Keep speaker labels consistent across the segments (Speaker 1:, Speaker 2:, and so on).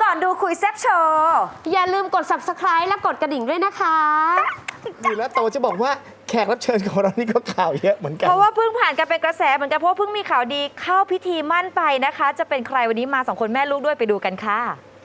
Speaker 1: ก่อนดูคุยแซ่บโชว์
Speaker 2: อย่าลืมกด subscribe และกดกระดิ่งด้วยนะคะ
Speaker 3: ดีแล้วโตจะบอกว่าแขกรับเชิญของเรานี่ก็ข่าวเยอะเหมือนกัน
Speaker 1: เพราะว่าเพิ่งผ่านการเป็นกระแสเหมือนกันเพราะว่าเพิ่งมีข่าวดีเข้าพิธีมั่นไปนะคะ จะเป็นใครวันนี้มา2คนแม่ลูกด้วยไปดูกันค่ะ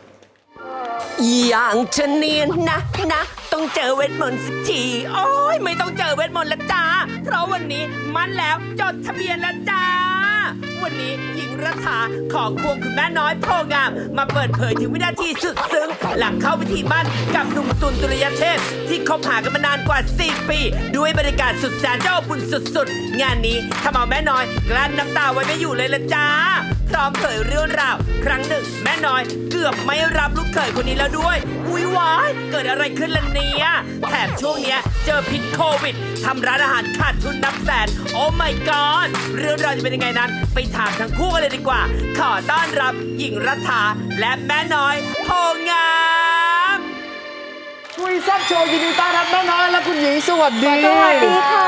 Speaker 4: อย่างฉันเนียนนะต้องเจอเวทมนต์สักทีโอ้ยไม่ต้องเจอเวทมนต์แล้วจ้าเพราะวันนี้มันแล้วจดทะเบียนแล้วจ้าวันนี้หญิงรัฐาของควงคุณแม่น้อยโพงามมาเปิดเผยถึงวินาทีสุดซึ้งหลังเข้าพิธีมั่นกับหนุ่มตุลตุลยเทพที่คบหากันมานานกว่า4 ปีด้วยบรรยากาศสุดแสนเจ้าบุญสุดๆงานนี้ทำเอาแม่น้อยกลั้นน้ำตาไว้ไม่อยู่เลยละจ้าพร้อมเผยเรื่องราวครั้งหนึ่งแม่น้อยเกือบไม่รับลูกเขยคนนี้แล้วด้วยอุ๊ยวายเกิดอะไรขึ้นล่ะเนี่ยแถมช่วงเนี้ยเจอพิษโควิดทำร้านอาหารขาดทุนนับแสนโอ้ my god เรื่องราวจะเป็นยังไงนั้นไปถามทั้งคู่กันเลยดีกว่าขอต้อนรับหญิงรัฐาและแม่น้อยโพงาม
Speaker 3: คุยแซ่บโชว์ยินดีต้อนรับแม่น้อยและคุณหญิงสวัสดี
Speaker 1: สวัสดีค่ะ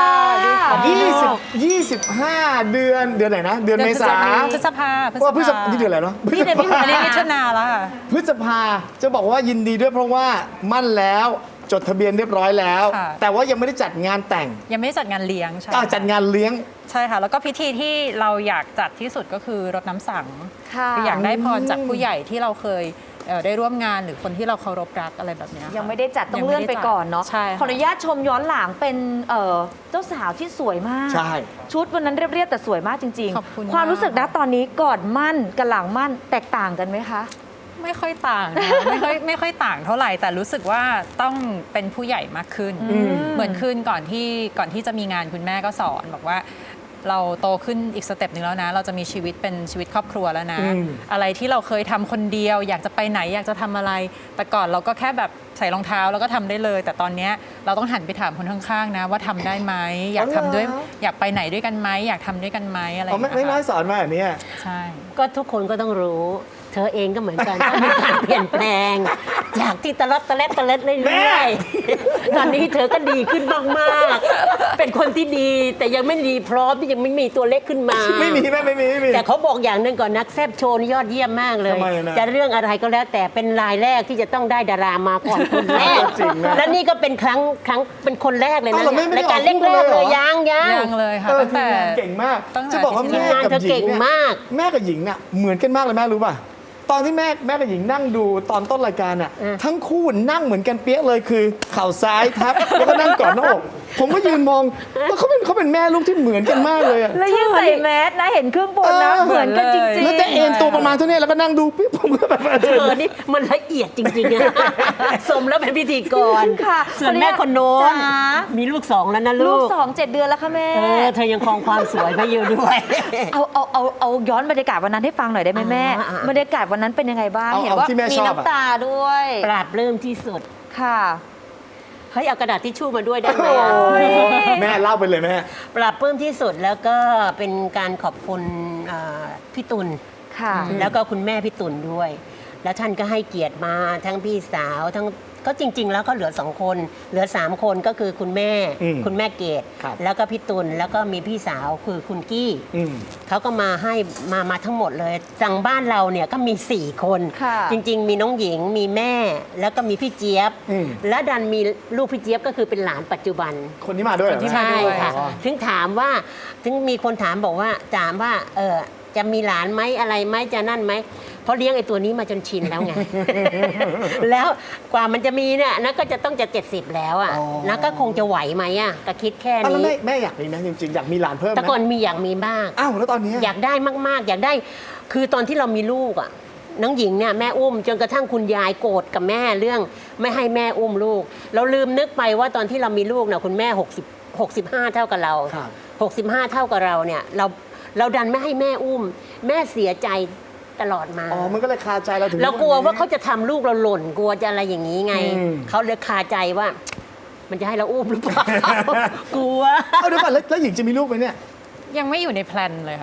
Speaker 3: 25 เดือนไหนนะ เดือนเมษา
Speaker 5: พฤษภา
Speaker 3: ว่าพฤษภานี่เดือนอะไรเนาะ
Speaker 1: นี่เดือนมิถุ
Speaker 5: อันนี้มิถุนาแล้วค่ะ
Speaker 3: พฤษภาจะบอกว่ายินดีด้วยเพราะว่ามั่นแล้วจดทะเบียนเรียบร้อยแล้ว
Speaker 5: ค่ะ
Speaker 3: แต่ว่ายังไม่ได้จัดงานแต่ง
Speaker 5: ยังไม่ได้จัดงานเลี้ยงใช่
Speaker 3: จัดงานเลี้ยง
Speaker 5: ใช่ค่ะ แล้วก็พิธีที่เราอยากจัดที่สุดก็คือรดน้ำสัง
Speaker 1: ค่ะ
Speaker 5: คืออยากได้พรจากผู้ใหญ่ที่เราเคยได้ร่วมงานหรือคนที่เราเคารพรักอะไรแบบเนี้ยค่ะ
Speaker 1: ยังไม่ได้จัดต้องเลื่อนไปก่อนเนาะ
Speaker 5: ใช่ค่ะ
Speaker 1: ขออนุญาตชมย้อนหลังเป็นเจ้าสาวที่สวยมาก
Speaker 3: ใช่
Speaker 1: ชุดวันนั้นเรียบๆแต่สวยมากจริง
Speaker 5: ขอบคุณ
Speaker 1: ความรู้สึกนะ
Speaker 5: มาก
Speaker 1: ตอนนี้ก่อนมั่นกับหลังมั่นแตกต่างกันไหมคะ
Speaker 5: ไม่ค่อยต่างนะ ไม่ค่อยต่างเท่าไหร่ แต่รู้สึกว่าต้องเป็นผู้ใหญ่มากขึ้น เหมือนขึ้นก่อนที่จะมีงานคุณแม่ก็สอนบอกว่าเราโตขึ้นอีกสเต็ปหนึ่งแล้วนะ เราจะมีชีวิตเป็นชีวิตครอบครัวแล้วนะ อะไรที่เราเคยทำคนเดียว อยากจะไปไหนอยากจะทำอะไร แต่ก่อนเราก็แค่แบบใส่รองเท้าแล้วก็ทำได้เลย แต่ตอนเนี้ยเราต้องหันไปถามคนข้างๆนะว่าทำได้ไหมอยากทำด้วยอยากไปไหนด้วยกันไหมอยากทำด้วยกันไหมอะไรอ
Speaker 3: อ๋อย่าง ไม่
Speaker 5: เงี้ย
Speaker 3: น้อย
Speaker 5: ค่ะ
Speaker 3: สอนมาแบบนี้
Speaker 5: ใช่
Speaker 6: ก็ทุกคนก็ต้องรู้ เธอเองก็เหมือนกัน ต้องมีการเปลี่ยนแปลง จากที่ตะลัดเรื่อยๆตอนนี้เธอก็ดีขึ้นมากๆ เป็นคนที่ดีแต่ยังไม่ดีพร้อมที่ยังไม่มีตัวเล็กขึ้นมา
Speaker 3: ไม่มีแม่ไม่มี
Speaker 6: แต่เขาบอกอย่างหนึ่งก่อนนักแซบโชว์นี่ยอดเยี่ยมมากเลย
Speaker 3: ทำไมนะ
Speaker 6: จะเรื่องอะไรก็แล้วแต่เป็นรายแรกที่จะต้องได้ดารามาก่อนคนแรก
Speaker 3: จริงนะ
Speaker 6: และนี่ก็เป็นครั้งเป็นคนแรกเลยนะ
Speaker 3: อ้าวเหรอไม่ได้
Speaker 6: รายการ
Speaker 3: ออกคู่
Speaker 6: แร
Speaker 3: กัน
Speaker 6: ก
Speaker 3: เลยเหรอ
Speaker 6: ๆเลยยัง
Speaker 5: ยังเลยค่ะ
Speaker 3: ที
Speaker 5: ตั้ง
Speaker 3: ม
Speaker 5: แต่
Speaker 3: งานเก่งมาก
Speaker 5: ตั้งแต่
Speaker 3: จะบอกว่า
Speaker 5: ที่
Speaker 3: แม่
Speaker 6: งาน
Speaker 3: กับ
Speaker 6: เธอ
Speaker 3: หญิ
Speaker 6: เก่
Speaker 3: ง
Speaker 6: ง
Speaker 3: เนี่ย
Speaker 6: มาก
Speaker 3: แม่กับหญิงน่ะเหมือนกันมากเลยแม่รู้ป่ะตอนที่แม่กับหญิงนั่งดูตอนต้นรายการน่ะทั้งคู่นั่งเหมือนกันเปี้ยเลยคือเข่าซ้ายทับแล้วก็นั่งกอดหน้าอกผมก็ยืนมองแล้วเขาเป็นแม่ลูกที่เหมือนกันมากเลยอะ
Speaker 1: แล้วยิ่งใส่แมสนะเห็นครึ่งบนนะ
Speaker 3: เออ
Speaker 1: เหมือนกันจริง
Speaker 3: แล้วจะเอ็นตัวประมาณเท่านี้แล้วก็นั่งดูปิ๊บผมก็แบบ
Speaker 6: เธอนี่มันละเอียดจริงๆนะ สมแล้วเป็นพิธีกร
Speaker 1: ค่ะ
Speaker 6: ส่วนแม่คนโน้น
Speaker 1: จ๋า
Speaker 6: มีลูกสองแล้วนะ
Speaker 1: ลู
Speaker 6: ลู
Speaker 1: ก
Speaker 6: ก
Speaker 1: 2 7 เดือนแล้วค่ะแม่
Speaker 6: เธอยังครองความสวยไว้อยู่ด้วย
Speaker 1: เอาย้อนบรรยากาศวันนั้นให้ฟังหน่อยได้ไหมแม่
Speaker 6: อ่า
Speaker 1: บรรยากาศวันนั้นเป็นยังไงบ้าง
Speaker 3: เอา
Speaker 1: เห็นว่า
Speaker 3: ที่แม่
Speaker 1: มี
Speaker 3: ชอบอะ
Speaker 1: น้ำตาด้วย
Speaker 6: ปราบเริ่มที่สุด
Speaker 1: ค่ะ
Speaker 6: เฮ้ยเอากระดาษทิชชู่มาด้วยได้ไหมอะ
Speaker 3: แม่เล่าไปเลยแม่
Speaker 6: ปราบเพิ่มที่สุดแล้วก็เป็นการขอบคุณพี่ตุล
Speaker 1: ค่ะ
Speaker 6: แล้วก็คุณแม่พี่ตุลด้วย แล้วท่านก็ให้เกียรติมาทั้งพี่สาวทั้งก็จริง ๆ แล้วก็เหลือ2 คนเหลือ3 คนก็คือคุณแม่ คุณแม่เกด
Speaker 3: ครับ
Speaker 6: แล้วก็พี่ตุลแล้วก็มีพี่สาวคือคุณกี้
Speaker 3: อืม
Speaker 6: เขาก็มาให้มาทั้งหมดเลยจังบ้านเราเนี่ยก็มี4 คน
Speaker 1: ค่ะ
Speaker 6: จริง ๆ มีน้องหญิงมีแม่ แล้วก็มีพี่เจี๊ยบ
Speaker 3: อืม
Speaker 6: และดันมีลูกพี่เจี๊ยบก็คือเป็นหลานปัจจุบัน
Speaker 3: คนที่มาด้วยเหรอ
Speaker 5: คนที่
Speaker 3: แม่
Speaker 5: มา
Speaker 6: ใช่
Speaker 5: ด้วย
Speaker 6: ค่ะ
Speaker 3: อ๋อ
Speaker 6: ถึงถามว่าถึงมีคนถามบอกว่าจะมีหลานไหมอะไรไหมจะนั่นไหมเพราะเลี้ยงไอ้ตัวนี้มาจนชินแล้วไง แล้วกว่ามันจะมีเนี่ยนะก็จะต้องจะ70แล้วอ่ะนะก็คงจะไหวไหมอ่ะก็คิดแค่
Speaker 3: อ้าวแล้ว
Speaker 6: นี้
Speaker 3: แม่อยากมีไหมจริงๆอยากมีหลานเพิ่มไห
Speaker 6: แต่
Speaker 3: ม
Speaker 6: ก่อนมีอยากมีมาก
Speaker 3: อ้าวแล้วตอนนี้
Speaker 6: อยากได้มากๆ อยากได้ คือตอนที่เรามีลูกอ่ะน้องหญิงเนี่ยแม่อุ้มจนกระทั่งคุณยายโกรธกับแม่เรื่องไม่ให้แม่อุ้มลูก เราลืมนึกไปว่าตอนที่เรามีลูกน่ะคุณแม่65เท่ากับเรา
Speaker 3: ครับ
Speaker 6: 65 เท่ากับเราเนี่ยเราดันไม่ให้แม่อุ้ม แม่เสียใจตลอดมา
Speaker 3: อ๋อมันก็เลยคาใจเราถึง
Speaker 6: เรากลัวว่าเขาจะทำลูกเราหล่นกลัวจะอะไรอย่างนี้ไง
Speaker 3: อืม
Speaker 6: เขาเลยคาใจว่า มันจะให้เราอุ้มหรือเปล่า กลัว
Speaker 3: เอาเดี๋ยวก่อนแล้วหญิงจะมีลูกไหมเนี่ย
Speaker 5: ยังไม่อยู่ในแพลนเลยค่ะ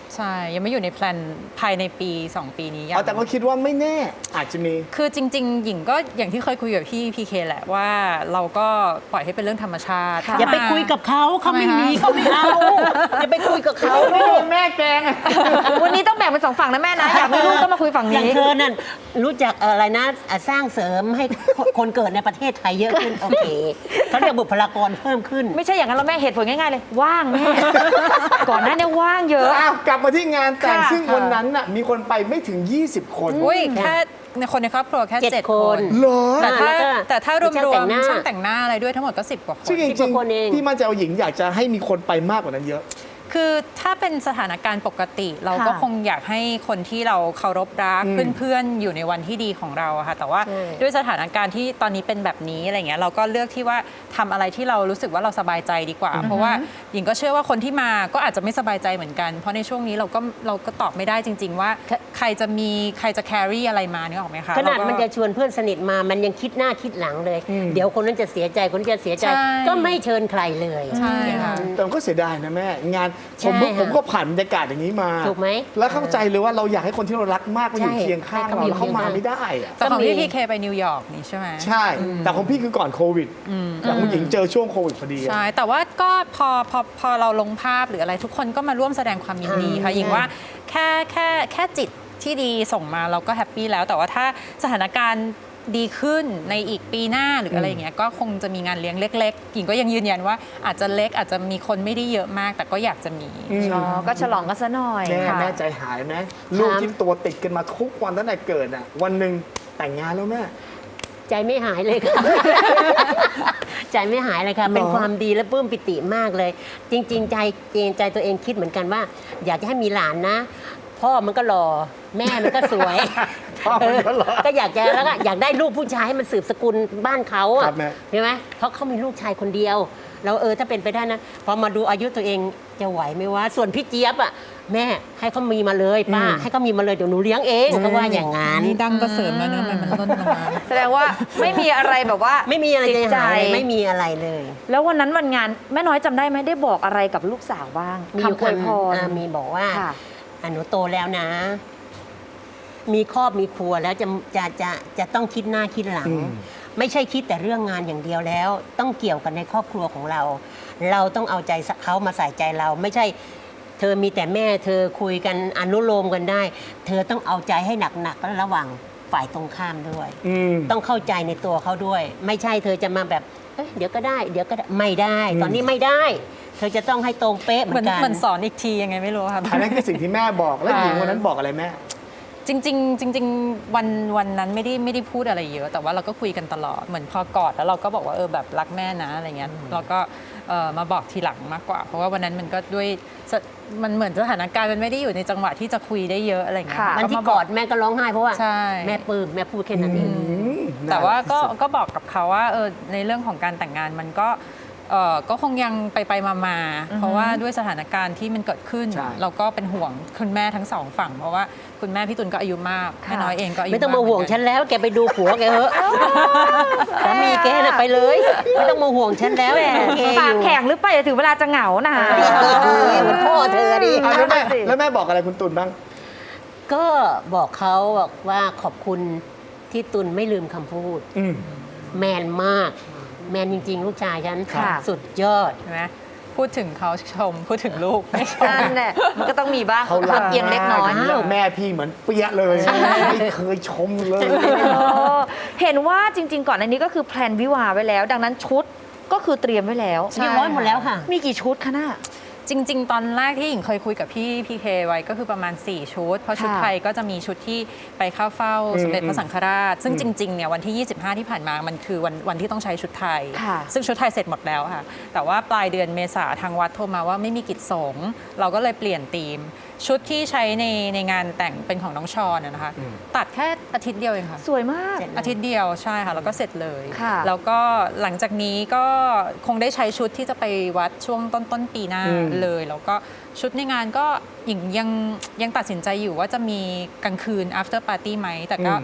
Speaker 5: ใช่ ยังไม่อยู่ในแพลนภายในปี 2 ปีนี้ยัง
Speaker 3: แต่ก็คิดว่าไม่แน่อาจจะมี
Speaker 5: คือจริง ๆ หญิงก็อย่างที่เคยคุยกับพี่พีเคแหละว่าเราก็ปล่อยให้เป็นเรื่องธรรมชาติ
Speaker 6: อย่าไปคุยกับเขาไม่มีเขาไม่เอาอย่าไปคุยกับเขา
Speaker 3: ไม่โดนแม่แกง
Speaker 1: วันนี้ต้องแบ่งเป็นสองฝั่งนะแม่นะ อยากมีลูกก็มาคุยฝั่ง
Speaker 6: อย่าง
Speaker 1: นี้
Speaker 6: เธอนั่นรู้จักอะไรนะสร้างเสริมให้คนเกิดในประเทศไทยเยอะขึ้น โอเคเขาเรียกบุคลากรเพิ่มขึ้น
Speaker 1: ไม่ใช่อย่างนั้นแล้วแม่เหตุผลง่ายๆเลย ว่างแม่ ก่อนหน้านี้ว่างเยอะ
Speaker 3: อ้าวกลับมาที่งานแต่ง
Speaker 1: ค่ะ
Speaker 3: ซึ่งวันนั้นน่ะมีคนไปไม่ถึง 20 คน
Speaker 5: อุ้ยแค่ในคนในครอบครัวแค่
Speaker 6: 7
Speaker 5: 7 คน
Speaker 3: เหรอ
Speaker 5: แต่ถ้ารวม
Speaker 6: ช่างแต่งหน้า
Speaker 5: ๆช่างแต่งหน้าอะไรด้วยทั้งหมดก็ 10 กว่าคน
Speaker 3: ซึ่งจ
Speaker 6: 10
Speaker 3: ริ
Speaker 6: ก
Speaker 3: ง
Speaker 6: ว่าคนเอง
Speaker 3: ๆพี่มั่นใจว่าหญิงอยากจะให้มีคนไปมากกว่านั้นเยอะ
Speaker 5: คือถ้าเป็นสถานการณ์ปกติ เราก็
Speaker 1: ค่ะ
Speaker 5: คงอยากให้คนที่เราเคารพรักเพื่อนๆอยู่ในวันที่ดีของเราอะค่ะแต่ว่า
Speaker 6: ใช่
Speaker 5: ด้วยสถานการณ์ที่ตอนนี้เป็นแบบนี้อะไรเงี้ยเราก็เลือกที่ว่าทำอะไรที่เรารู้สึกว่าเราสบายใจดีกว่า เพราะว่าหญิงก็เชื่อว่าคนที่มาก็อาจจะไม่สบายใจเหมือนกัน เพราะในช่วงนี้เราก็ตอบไม่ได้จริง ๆ ว่าใครจะ carry อะไรมาเนี่ยออกไหมคะ
Speaker 6: ขนาด
Speaker 5: เรก็
Speaker 6: มันจะชวนเพื่อนสนิทมามันยังคิดหน้าคิดหลังเลย เดี๋ยวคนนั้นจะเสียใจคนนี้จะเสียใจ
Speaker 5: ใช่
Speaker 6: ก็ไม่เชิญใครเลย
Speaker 5: ใช่ค่ะ
Speaker 3: แต่มันก็เสียดายนะแม่ งาน
Speaker 6: ใช่
Speaker 3: ผมก็ผ่านบรรยากาศอย่างนี้มา
Speaker 6: ถูกไหม
Speaker 3: แล้วเข้าใจเลยว่าเราอยากให้คนที่เรารักมากมาอยู่
Speaker 6: ใช่
Speaker 3: เคียงข้าง
Speaker 6: ให้เขา
Speaker 3: เรา
Speaker 6: อยู่
Speaker 3: แล้วเขามา
Speaker 6: เคียงข้าง
Speaker 3: ไม่ได้อะ
Speaker 5: แต่ของ
Speaker 6: ก็มี
Speaker 5: พี่พีเคไปนิวยอร์กนี่ใช่ไหม
Speaker 3: ใช่ แต่ของพี่คือก่อนโควิดแต่ของหญิงเจอช่วงโควิดพอดีอะ
Speaker 5: ใช่ แต่ว่าก็พอเราลงภาพหรืออะไรทุกคนก็มาร่วมแสดงความยินดีค่ะ
Speaker 6: ใช่
Speaker 5: หญิงว่าแค่จิตที่ดีส่งมาเราก็แฮปปี้แล้ว แต่ว่าถ้าสถานการณ์ดีขึ้นในอีกปีหน้าหรืออะไรอย่างเงี้ยก็คงจะมีงานเลี้ยงเล็กๆ หญิงก็ยังยืนยันว่าอาจจะเล็กอาจจะมีคนไม่ได้เยอะมาก แต่ก็อยากจะมี
Speaker 1: อ๋อ ก็ฉลองกันซะหน่อย
Speaker 3: แม่
Speaker 1: ค่ะ
Speaker 3: แม่ใจหายไหมลูกที่ตัวติดกันมาทุกวันตั้งแต่เกิดอ่ะวันหนึ่งแต่งงานแล้วแม่
Speaker 6: ใจไม่หายเลยค่ะ ใจไม่หายเลยค่ะ เป็นความดีและปลื้มปิติมากเลย จริง ๆ ใจตัวเองคิดเหมือนกันว่า อยากจะให้มีหลานนะ พ่อมันก็หล่อแม่มันก็สวย
Speaker 3: พ่อมันก็หล่อ
Speaker 6: ก็อยากจะแล้วก็อยากได้ลูกผู้ชายให้มันสืบสกุลบ้านเขาอะ
Speaker 3: ครับแม่
Speaker 6: ใช่ไหมเพราะเขามีลูกชายคนเดียวแล้วถ้าเป็นไปได้นะพอมาดูอายุตัวเองจะไหวไหมวะส่วนพี่เจี๊ยบอะแม่ให้เขามีมาเลยป้าให้เขามีมาเลยเดี๋ยวหนูเลี้ยงเองก็ว่าอย่างงั้น
Speaker 5: นี่ดังก็เสริมแล้วเนื้อะมันล่นลงมา
Speaker 1: แสดงว่าไม่มีอะไรแบบว่า
Speaker 6: ไม่มีอะไร
Speaker 1: ติ
Speaker 6: จะ
Speaker 1: ดใจ
Speaker 6: หายเลยไม่มีอะไรเลย
Speaker 1: แล้ววันนั้นวันงานแม่น้อยจำได้ไหมได้บอกอะไรกับลูกสาวบ้าง
Speaker 6: มี
Speaker 1: คำอวยพร
Speaker 6: มีบอกว่า
Speaker 1: ค่ะ
Speaker 6: หนูโตแล้วนะ มีครอบมีครัวแล้วจะต้องคิดหน้าคิดหลัง ไม่ใช่คิดแต่เรื่องงานอย่างเดียวแล้ว ต้องเกี่ยวกันในครอบครัวของเรา เราต้องเอาใจเขามาใส่ใจเรา ไม่ใช่ เธอมีแต่แม่เธอคุยกันอนุโลมกันได้ เธอต้องเอาใจให้หนักๆระหว่างฝ่ายตรงข้ามด้วย ต้องเข้าใจในตัวเขาด้วย ไม่ใช่เธอจะมาแบบเดี๋ยวก็ได้ไม่ได้ ตอนนี้ไม่ได้ เธอจะต้องให้ตรงเป๊ะเหมื
Speaker 5: เหมื
Speaker 6: อ
Speaker 5: อน น
Speaker 6: กัน
Speaker 5: เหมือนสอนอีกทียังไงไม่รู้ค่ะ
Speaker 3: อันนั้นคือสิ่งที่แม่บอกแล้วหญิงวันนั้นบอกอะไรแม่
Speaker 5: จริงๆวันนั้นไม่ได้พูดอะไรเยอะ แต่ว่าเราก็คุยกันตลอดเหมือนพอกอดแล้วเราก็บอกว่าแบบรักแม่นะอะไรเงี้ยเราก็มาบอกทีหลังมากกว่า เพราะว่าวันนั้นมันก็ด้วยมันเหมือนสถานการณ์มันไม่ได้อยู่ในจังหวะที่จะคุยได้เยอะอะไรเงี้ย
Speaker 1: ค่ะ
Speaker 6: วันที่กอดแม่ก็ร้องไห้เพราะว่า
Speaker 5: ใช่
Speaker 6: แม่ปลื้มแม่พูดแค่นั้นเอง
Speaker 5: แต่ว่าก็บอกกับเขาว่าในเรื่องของการแต่งงานมันก็คงยังไปมาเพราะว่าด้วยสถานการณ์ที่มันเกิดขึ้น
Speaker 3: ใช่
Speaker 5: เราก็เป็นห่วงคุณแม่ทั้งสองฝั่ง เพราะว่าคุณแม่พี่ตุลก็อายุมาก
Speaker 1: ค่ะ
Speaker 5: แม่น้อยเองก็อายุ
Speaker 6: ไม่ต้องมาห่วง
Speaker 5: ก
Speaker 6: ฉันแล้วแกไปดูผัวแกเถอะสามีแกน่ะไปเลย ไม่ต้องมาห่วงฉันแล้ว
Speaker 1: แหม
Speaker 6: แกอ
Speaker 1: ปาก
Speaker 6: ยู่
Speaker 1: แข็งหรือเปล่าเดี๋ยวถึงเวลาจะเหงานะ
Speaker 6: เหมือนพ่อเธอดิ
Speaker 3: อ่ะแล้วแม่
Speaker 1: นั่นน่ะสิ
Speaker 3: แล้วแม่บอกอะไรคุณตุลบ้าง
Speaker 6: ก็บอกเขาบอกว่าขอบคุณที่ตุลไม่ลืมคำพูด แมนมาก แมนจริง ๆ ลูกชายฉัน
Speaker 1: ค่ะ
Speaker 6: สุดยอด
Speaker 5: ใช่ไหมพูดถึงเขาชมพูดถึงลูกไม่ชม
Speaker 1: นั่นแหละมันก็ต้องมีบ้าง
Speaker 3: เขารัก
Speaker 1: เอียงเล็กน้อย
Speaker 3: มากแม่พี่เหมือนเปี้ยเลยไม่เคยชมเลย
Speaker 1: เห็นว่าจริง ๆ ก่อนอันนี้ก็คือแพลนวิวาห์ไว้แล้ว ดังนั้นชุดก็คือเตรียมไว้แล้ว
Speaker 5: ใช่
Speaker 6: เรียบร้อยหมดแล้วค่ะ
Speaker 1: มีกี่ชุดคะน่ะ
Speaker 5: จริง ๆ ตอนแรกที่หญิงเคยคุยกับพี่พีเคไว้ก็คือประมาณ 4 ชุด เพราะชุด
Speaker 1: ค่ะ
Speaker 5: ไทยก็จะมีชุดที่ไปเข้าเฝ้าสมเด็จพระสังฆราช ซึ่งจริง ๆ เนี่ยวันที่ 25 ที่ผ่านมามันคือวันที่ต้องใช้ชุดไทย
Speaker 1: ค่ะ
Speaker 5: ซึ่งชุดไทยเสร็จหมดแล้วค่ะ แต่ว่าปลายเดือนเมษาทางวัดโทรมาว่าไม่มีกิจสงฆ์เราก็เลยเปลี่ยนธีม ชุดที่ใช้ในงานแต่งเป็นของน้องชอนนะคะ ตัดแค่อาทิตย์เดียวเองค่ะ
Speaker 1: สวยมาก
Speaker 5: อาทิตย์เดียวใช่ค่ะ แล้วก็เสร็จเลย
Speaker 1: ค่ะ
Speaker 5: แล้วก็หลังจากนี้ก็คงได้ใช้ชุดที่จะไปวัดช่วงต้นปีหน้าเลย แล้วก็ชุดในงานก็ยังตัดสินใจอยู่ว่าจะมีกลางคืน after party ไหม แต่ก็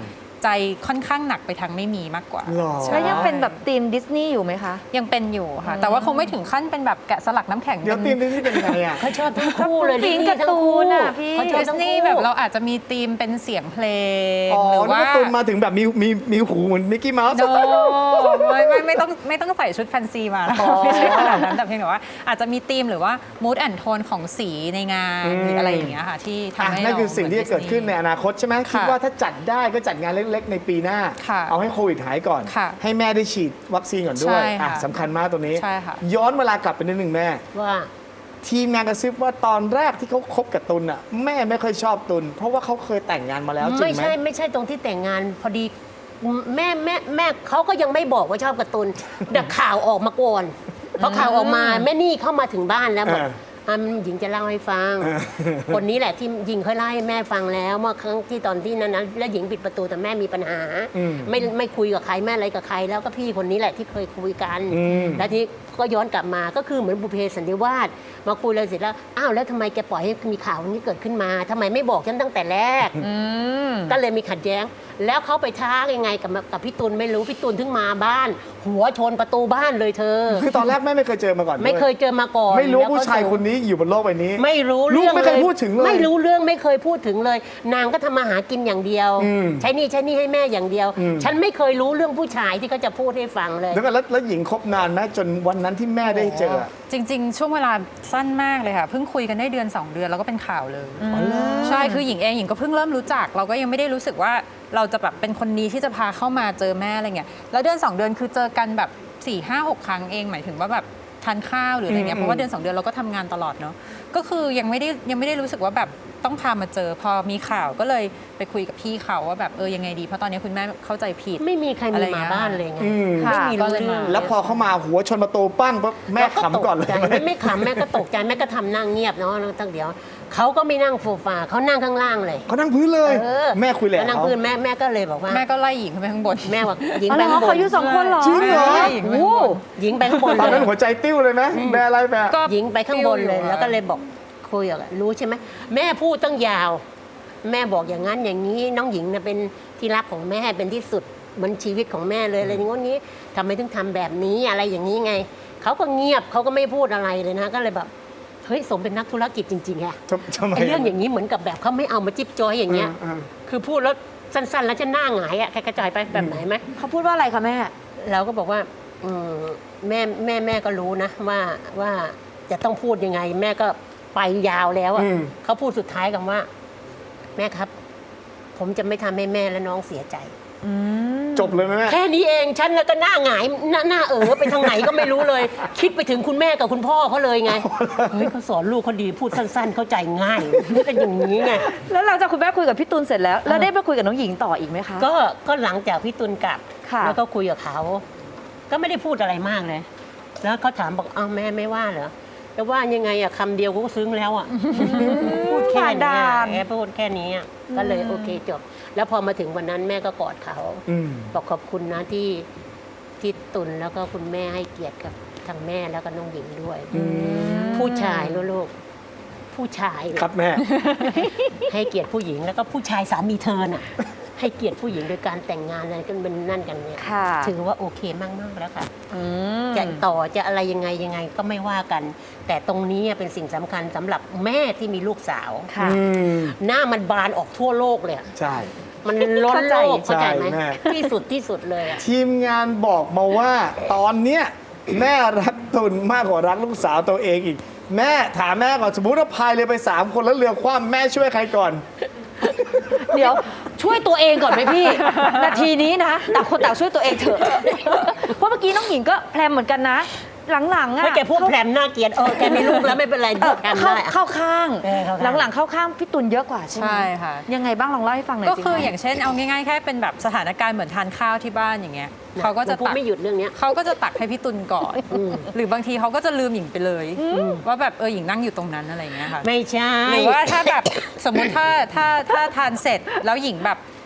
Speaker 5: ใจค่อนข้างหนักไปทางไม่มีมากกว่า
Speaker 3: หรอ
Speaker 5: ใช่
Speaker 1: แล้วยังเป็นแบบธีมดิสนีย์อยู่ไหมคะ
Speaker 5: ยังเป็นอยู่ค่ะ แต่ว่าคงไม่ถึงขั้นเป็นแบบแกะสลักน้ำแข็ง
Speaker 3: เดี๋ยวตีมนี่เป็นไงอ่ะ
Speaker 6: เขาชอบทั้งคู่เลย
Speaker 1: ฟิล์มการ์ตูนอะพี่
Speaker 6: เขาชอบ
Speaker 5: ดิส
Speaker 6: ทั้ง
Speaker 5: นีย์
Speaker 6: คู่
Speaker 5: แบบเราอาจจะมีธีมเป็นเสียงเพลง
Speaker 3: อ๋อ
Speaker 5: หรือ
Speaker 3: แล้ว
Speaker 5: ว่า
Speaker 3: ก็ตุนมาถึงแบบมีหูเหมือนมิกกี้เมาส์
Speaker 5: โนไม่ต้องใส่ชุดแฟนซีมานะไม่ใช่ขนาดนั้นแต่เพียงแต่ว่าอาจจะมีธีมหรือว่า mood and tone ของสีในงานหรืออะไรอย่างเงี้ยค่ะที่ทำให้
Speaker 3: นั่น
Speaker 5: เรา
Speaker 3: คือสิ่งที่จะเกิดขึ้นในอนาคตใช่ไหมคิด
Speaker 5: ค่ะ
Speaker 3: ว่าถ้าจัดได้ก็จัดงานเล็กๆ ในปีหน้า
Speaker 5: ค่ะ
Speaker 3: เอาให้โควิดหายก่อน
Speaker 5: ค่ะ
Speaker 3: ให้แม่ได้ฉีดวัคซีนก่อนด้วย
Speaker 5: ใช่ค่ะ
Speaker 3: สำคัญมากตัวนี้
Speaker 5: ใช่ค่ะ
Speaker 3: ย้อนเวลากลับไปนิดนึงแม่
Speaker 6: ว่า
Speaker 3: ทีมงานกระซิบว่าตอนแรกที่เขาคบกับตุลอ่ะแม่ไม่ค่อยชอบตุลเพราะว่าเขาเคยแต่งงานมาแล้วจริง
Speaker 6: ไม่
Speaker 3: ไหม
Speaker 6: ใช่ตรงที่แต่งงานพอดีแม่เขาก็ยังไม่บอกว่าชอบการ์ตูนแต่ข่าวออกมาก่อนพอข่าวออกมาแม่นี่เข้ามาถึงบ้านแล้วบอกหญิงจะเล่าให้ฟัง คนนี้แหละที่หญิงเคยเล่าให้แม่ฟังแล้วเมื่อครั้งที่ตอนที่นั้นนะแล้วหญิงปิดประตูแต่แม่มีปัญหา ไม่คุยกับใครแม่อะไรกับใครแล้วก็พี่คนนี้แหละที่เคยคุยกัน แล้วทีนี้ก็ย้อนกลับมาก็คือเหมือนบุพเพสันนิวาสมาคุยเลยเสร็จแล้วอ้าวแล้วทำไมแกปล่อยให้มีข่าวนี้เกิดขึ้นมาทำไมไม่บอกฉันตั้งแต่แรก ก็เลยมีขัดแย้ง แล้วเขาไปท้ายังไงกับพี่ตุลไม่รู้พี่ตุลถึงมาบ้าน หัวชนประตูบ้านเลยเธอ
Speaker 3: คือตอนแรกแม่ไม่เคยเจอมาก่อนด้วย
Speaker 6: ไม่เคยเจอมาก่อน
Speaker 3: ไม่รู้
Speaker 6: แล้วก็
Speaker 3: ผู้ชายคนนี้อยู่บนโลกใบนี้
Speaker 6: ไม่รู้
Speaker 3: ลูก
Speaker 6: เรื่อง
Speaker 3: ไม่เคยพูดถึงเลย
Speaker 6: ไม่รู้เรื่องไม่เคยพูดถึงเลย นางก็ทำมาหากินอย่างเดียว ใช้หนี่ให้แม่อย่างเดียว ฉันไม่เคยรู้เรื่องผู้ชายที่เขาจะพูดให้ฟังเลย
Speaker 3: แล้วกันแล้วหญิงคบนานไหมจนวันนั้นที่แม่ได้เจออะ
Speaker 5: จริง ๆ ช่วงเวลาสั้นมากเลยค่ะ เพิ่งคุยกันได้เดือน 2 เดือนแล้วก็เป็นข่าวเลย ใช่คือหญิงเองหญิงก็เพิ่งเริ่มรู้จัก เราก็ยังไม่ได้รู้สึกว่าเราจะแบบเป็นคนนี้ที่จะพาเข้ามาเจอแม่อะไรเงี้ยแล้วเดือน 2 เดือนคือเจอกันแบบ 4-5-6 ครั้งเองหมายถึงว่าแบบทานข้าวหรืออะไรเงี้ยเพราะว่าเดือน 2 เดือนเราก็ทำงานตลอดเนาะก็คือยังไม่ได้รู้สึกว่าแบบต้องพามาเจอพอมีข่าวก็เลยไปคุยกับพี่เขาว่าแบบยังไงดีเพราะตอนนี้คุณแม่เข้าใจผิด
Speaker 6: ไม่มีใคร
Speaker 5: อะไร
Speaker 6: มี
Speaker 5: เงี้
Speaker 6: มาย บ้านเลยไง
Speaker 1: ค่ะ
Speaker 6: ไม่มีรู้
Speaker 5: ก็เลย
Speaker 6: เรื่
Speaker 5: มา
Speaker 6: อง
Speaker 3: แล้วพอเขามาหัวชนประตูปั้งปั๊บแม่ขำก่อนเลย
Speaker 6: ราตใจไม่ขำแม่ก็ตกใจแม่ก็ทำนั่งเงียบเนาะตั้งเดี๋ยวเขาก็ไม่นั่งโซฟาเขานั่งข้างล่างเลย
Speaker 3: เขานั่งพื้นเลย
Speaker 6: เออ
Speaker 3: แม่คุยแหละ
Speaker 6: เขานั่ง
Speaker 3: เขา
Speaker 6: พื้นแม่ก็เลยบอกว่า
Speaker 5: แม่ก็ไล่หญิงขึ้นไปข้างบน
Speaker 6: แม่บอกหญิง
Speaker 1: อ๋อ
Speaker 6: ไป
Speaker 1: เหรอ
Speaker 6: ข้างบ
Speaker 1: เขา
Speaker 6: น
Speaker 1: อยู่สองคนเหรอ
Speaker 3: จริงเหรอ
Speaker 5: หญิง
Speaker 6: โอ้หญิงไปข้างบน
Speaker 3: ตอน
Speaker 6: เล
Speaker 3: นั้น
Speaker 6: ย
Speaker 3: หัวใจติ้วเลยไหมแม่อะไรแม่
Speaker 5: ก็
Speaker 6: หญิงไปข้างบนเลย
Speaker 5: ปิ้วอยู่
Speaker 6: แล้วก็เลยบอกคุยกับรู้ใช่ไหมแม่พูดตั้งยาว แม่บอกอย่างนั้นอย่างนี้น้องหญิงน่ะเป็นที่รักของแม่เป็นที่สุดเหมือนชีวิตของแม่เลยอะไรอย่างนี้ทำไมถึงทำแบบนี้อะไรอย่างนี้ไงเขาก็เงียบเขาก็ไม่พูดอะไรเลยนะก็เลยแบบเฮ้ยสมเป็นนักธุรกิจจริงๆอะ
Speaker 3: ทำไม
Speaker 6: ไอ้เรื่องอย่างนี้เหมือนกับแบบเขาไม่เอามาจิ๊บจอยอย่างเงี้ย คือพูดแล้วสั้นๆ แล้วจะหน้าหงายอะใครกระจายไปแบบไหนไหม
Speaker 1: เขาพูดว่าอะไรคะแม่
Speaker 6: เราก็บอกว่าแม่ก็รู้นะว่าจะต้องพูดยังไง แม่ก็ไปยาวแล้วอะเขาพูดสุดท้ายกับว่า แม่ครับ ผมจะไม่ทำให้แม่และน้องเสียใจ
Speaker 3: จบเลยไหมแม่
Speaker 6: แค่นี้เองฉันแล้วก็หน้าหงายหน้าไปทางไหนก็ไม่รู้เลย คิดไปถึงคุณแม่กับคุณพ่อเขาเลยไงเฮ้ยเขาสอนลูกเขาดีพูดสั้น ๆ เข้าใจง่ายเป็นอย่างนี้ไง
Speaker 1: แล้วหลังจากคุณแม่คุยกับพี่ตูนเสร็จแล้ว แล้วได้ไปคุยกับน้องหญิงต่ออีกไหมคะ
Speaker 6: ก็หลังจากพี่ตุลกลับ
Speaker 1: ค่ะ
Speaker 6: แล้วก็คุยกับเขา ก็ไม่ได้พูดอะไรมากเลย แล้วเขาถามบอกอ้าวแม่ไม่ว่าเหรอจะว่ายังไงอะคำเดียวเขาก็ซึ้งแล้วอะพูดแค่นี้แค่พูดแค่นี้อะก็เลยโอเคจบ แล้วพอมาถึงวันนั้นแม่ก็กอดเขาบอกขอบคุณนะที่ตุลแล้วก็คุณแม่ให้เกียรติกับทางแม่แล้วก็น้องหญิงด้วยผู้ชายลูกผู้ชาย
Speaker 3: ครับแม่
Speaker 6: ให้เกียรติผู้หญิงแล้วก็ผู้ชายสามีเธอน่ะ ให้เกียรติผู้หญิงโดยการแต่งงานอะไรกันเป็นนั่นกันเนี่ย
Speaker 1: ค่ะ
Speaker 6: ถือว่าโอเคมากๆแล้วค่ะจะต่อจะอะไรยังไงก็ไม่ว่ากัน แต่ตรงนี้เป็นสิ่งสำคัญสำหรับแม่ที่มีลูกสาว
Speaker 1: ค่ะ
Speaker 6: หน้ามันบานออกทั่วโลกเลยอะ
Speaker 3: ใช่
Speaker 6: มันล้นโลก
Speaker 3: เข้า
Speaker 6: เข้า
Speaker 3: ใจ
Speaker 6: ใจไหม
Speaker 3: แม่
Speaker 6: ที่สุดเลยอะ
Speaker 3: ทีมงานบอกมาว่าตอนเนี้ยแม่รักตุลมากกว่ารักลูกสาวตัวเองอีก แม่ถามแม่ก่อนสมมติว่าพายเรือไป 3 คนแล้วเรือคว่ำแม่ช่วยใครก่อน
Speaker 1: เดี๋ยวช่วยตัวเองก่อนไหมพี่ นาทีนี้นะต่างคนต่างช่วยตัวเองเถอะ เพราะเมื่อกี้น้องหญิงก็แพรมเหมือนกันนะ หลังๆอะ
Speaker 6: ไม่แกพูดแพรมน่าเกลียดแกมีลูกแล้วไม่เป็นไรพูดแพรม
Speaker 1: เข้า
Speaker 6: ได้อะ
Speaker 1: เข้าข้าง
Speaker 6: เข้าข้าง
Speaker 1: หลังๆเข้าข้างพี่ตุลเยอะกว่าใช่ไหม
Speaker 5: ใช่ค่ะ
Speaker 1: ยังไงบ้างลองเล่าให้ฟังหน่อย
Speaker 5: ก็
Speaker 1: สิ
Speaker 5: คือ
Speaker 1: คะ
Speaker 5: อย่างเช่นเอาง่ายๆแค่เป็นแบบสถานการณ์เหมือนทานข้าวที่บ้านอย่างเงี้ย
Speaker 6: นะ
Speaker 5: เขาก็จะ
Speaker 6: พูด
Speaker 5: ตัก
Speaker 6: ไม่หยุดเรื่องเนี้ย
Speaker 5: เขาก็จะตักให้พี่ตุลก่อน หรือบางทีเขาก็จะลืมหญิงไปเลย ว่าแบบหญิงนั่งอยู่ตรงนั้นอะไรอย่างเงี้ยค่ะ
Speaker 6: ไม่ใช่
Speaker 5: หรือว่าถ้าแบบ สมมุติถ้าทานเสร็จแล้วหญิงแบบ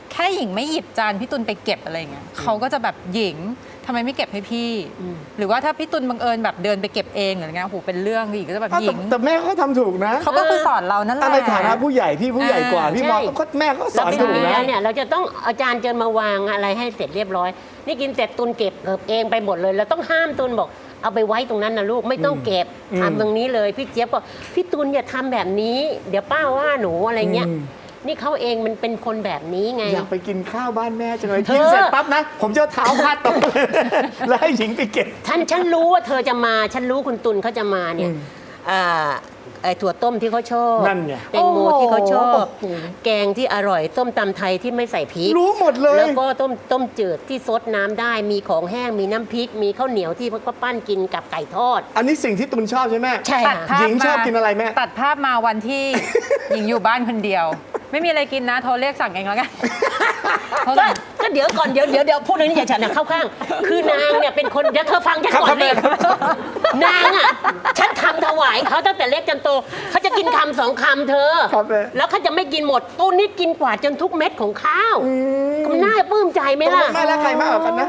Speaker 5: แค่หญิงไม่หยิบจานพี่ตุลไปเก็บอะไรเงี้ยเขาก็จะแบบหญิงทำไมไม่เก็บให้พี่ หรือว่าถ้าพี่ตุลบังเอิญแบบเดินไปเก็บเองอะไรเงี้ยโอ้โหเป็นเรื่องหญิงก็จะแบบหญิง
Speaker 3: แต่แม่เขาทำถูกนะ
Speaker 5: เขาก็คือสอนเรานั่นแหละ
Speaker 3: ในฐานะผู้ใหญ่พี่ผู้ใหญ่กว่าพี่บอกก็แม่ก็ส
Speaker 6: เรา
Speaker 3: อน
Speaker 6: เป็น
Speaker 3: ถูก
Speaker 6: เมี
Speaker 3: นะ
Speaker 6: ยเนี่ยเราจะต้องเอาจารย์เจิญมาวางอะไรให้เสร็จเรียบร้อย นี่กินเสร็จตุนเก็บเองไปหมดเลยเราต้องห้ามตุนบอกเอาไปไว้ตรงนั้นนะลูกไม่ต้องเก็บทำตรงนี้เลยพี่เจี๊ยบก็พี่ตุลอย่าทำแบบนี้ เดี๋ยวป้าว่าหนูอะไรเงี้ยนี่เขาเองมันเป็นคนแบบนี้ไง
Speaker 3: อยากไปกินข้าวบ้านแม่จังเลย
Speaker 6: เธอ
Speaker 3: กินเสร็จปั๊บนะ ผมจะเอาเท้าพาดตรงแล้วให้หญิงไปเก็บ
Speaker 6: ฉันรู้ว่าเธอจะมาฉันรู้คุณตุลเขาจะมาเนี่ยไอ้ถั่วต้มที่เขาชอบ
Speaker 3: นั่นไง
Speaker 6: แตงโมที่เขาชอบ
Speaker 3: โอ้โห
Speaker 6: แกงที่อร่อยส้มตำไทยที่ไม่ใส่พริก
Speaker 3: รู้หมดเลย
Speaker 6: แล้วก็ต้มจืดที่ซดน้ำได้มีของแห้งมีน้ำพริก มีข้าวเหนียวที่ก็ปั้นกินกับไก่ทอด
Speaker 3: อันนี้สิ่งที่ตุนชอบใช่ไหม
Speaker 6: ใช่
Speaker 5: ตัด
Speaker 6: ค่ะ
Speaker 5: ภาพ
Speaker 3: หญิงชอบกินอะไรแม่
Speaker 5: ตัดภาพมาวันที่ หญิงอยู่บ้านคนเดียว ไม่มีอะไรกินนะ โทรเรียกสั่งเองแล้วกันโทรสั่ง
Speaker 6: ก็เดี๋ยวก่อนเดี๋ยวพูดเรื่องนี้อย่าฉันนะเข้าข้าง คือนางเนี่ยเป็นคนเดี๋ยวเธอฟังฉันก่อนเลยนางอ่ะฉันทำถวายเขาตั้งแต่เล็กจนโตเขาจะกินคำ2 คำเธอ
Speaker 3: ครับแม่
Speaker 6: แล้วเขาจะไม่กินหมดตู้นี่กินกว่าจนทุกเม็ดของข้าวมันน่าปลื้มใจไหม
Speaker 3: ตก
Speaker 6: ล่ะ
Speaker 3: ลงแม่และใครมากกว่ากันนะ